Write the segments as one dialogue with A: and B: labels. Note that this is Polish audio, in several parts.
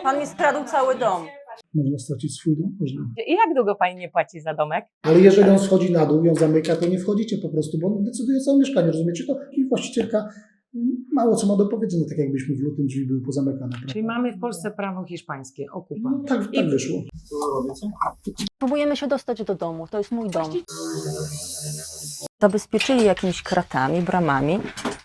A: Pan mi skradł cały dom.
B: Można stracić swój dom? Można.
C: I jak długo pani nie płaci za domek?
B: Ale jeżeli on schodzi na dół i on zamyka, to nie wchodzicie po prostu, bo on decyduje o całym mieszkaniu, rozumiecie to? I właścicielka mało co ma do powiedzenia, tak jakbyśmy w lutym drzwi były pozamykane. Prawda?
C: Czyli mamy w Polsce prawo hiszpańskie, okupa.
B: No, tak wyszło.
A: Próbujemy się dostać do domu, to jest mój dom. Zabezpieczyli jakimiś kratami, bramami.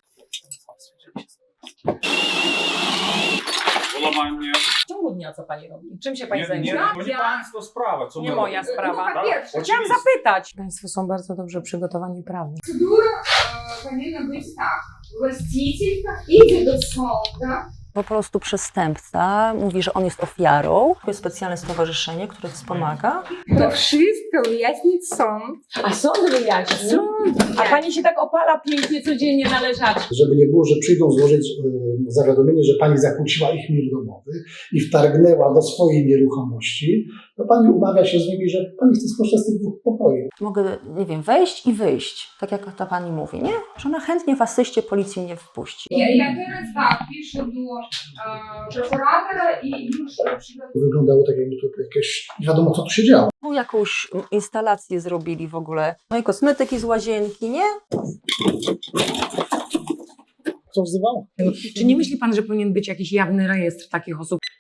D: Łamanie.
C: W ciągu dnia co pani robi? Czym się pani
D: Nie,
C: zajmuje?
D: to nie państwo sprawa. Co
C: Nie
D: my
C: moja
D: robimy?
C: sprawa.
D: Tak,
C: Chciałam
D: oczywiście.
C: zapytać. Państwo są bardzo dobrze przygotowani prawnie.
E: Процедура повинна бути так. Властителька іде до суду.
A: Po prostu przestępca mówi, że on jest ofiarą. To jest specjalne stowarzyszenie, które wspomaga.
E: To wszystko wyjaśnić sąd.
C: A sąd wyjaśni? A pani się tak opala pięknie codziennie na leżaczku.
B: Żeby nie było, że przyjdą złożyć zawiadomienie, że pani zakłóciła ich mir domowy i wtargnęła do swojej nieruchomości, to pani umawia się z nimi, że pani chce skorzystać z tych dwóch pokoi.
A: Mogę, nie wiem, wejść i wyjść, tak jak ta pani mówi, nie? Że ona chętnie w asyście policji mnie wpuści.
E: Я teraz tak piszę do prokuratora i już przygotowuję.
B: Wyglądało tak, jakby to jakieś, nie wiadomo co tu się działo.
A: Tu jakąś instalację zrobili w ogóle. No i kosmetyki z łazienki, nie?
B: Co wzywało?
C: Czy nie myśli pan, że powinien być jakiś jawny rejestr takich osób?